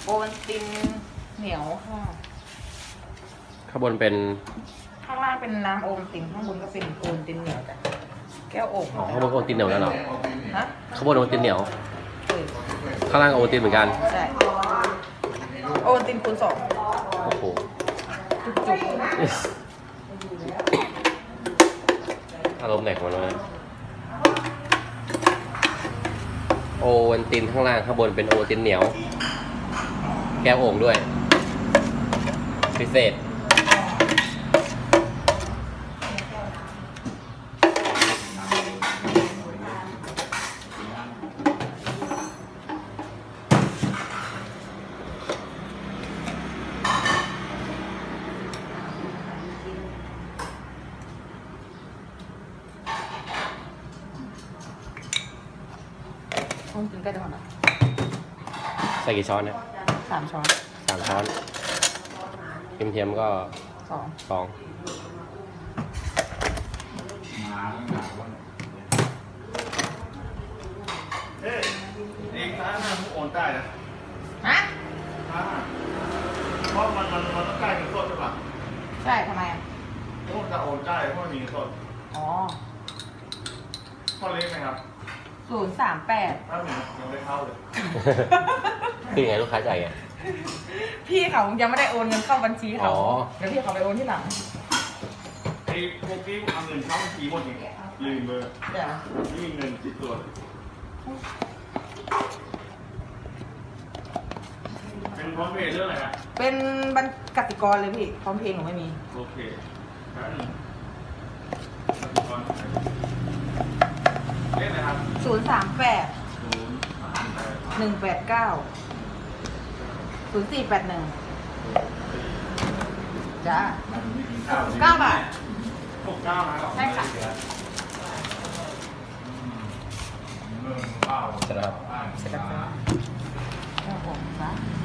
โอวัลตินเหนียวค่ะข้างบนเป็นข้างล่างเป็นน้ำโอวัลตินข้างบนก็เป็นโอวัลตินเหนียวจ้ะแก้วโอ่งข้างบนโอวัลตินเหนียวแล้วเหรอฮะข้างบนโอวัลตินเหนียวเออข้างล่างโอวัลตินเหมือนกันใช่โอวัลตินคูณ 2 โอ้โหจุกอารมณ์ไหนของมันวะโอวัลตินข้างล่างข้างบนเป็นโอวัลตินเหนียว แก้วโอ่งด้วย พิเศษโอวัลตินใกล้จะหมดแล้วใส่กี่ช้อนเนี่ย 3 ช้อน 3 ช้อนเทียมๆก็ 2 2 เอ๊ะเองร้านอาหารโอนได้นะฮะเพราะมันต้องได้เงินสดใช่ปะใช่ทำไมอ่ะเพราะจะโอนได้เพราะมีเงินสดอ๋อข้อเล็กไหมครับ 038 ถ้ามียังไม่เข้าเลยคือยังไงลูกค้าจ่ายไงพี่เขายังไม่ได้โอนเงินเข้าบัญชีเขาอ๋อเดี๋ยวพี่เขาไปโอนที่หลังไอ้พวกที่เอาเงินเข้าบัญชีหมดเนี่ยลืมเบอร์เดี๋ยวไม่มีเงินติดตัวเป็นพร้อมเพย์เรื่องอะไรฮะเป็นบัญกสิกรเลยพี่พร้อมเพลงหนูไม่มีโอเคแป๊บนึงก่อนเล่นนะครับ 038 0 3 8 189 0481จ้า 9 บาท 69นะครับใช่ค่ะเสร็จแล้วครับเสร็จแล้วจ้าโอ้โหจ้า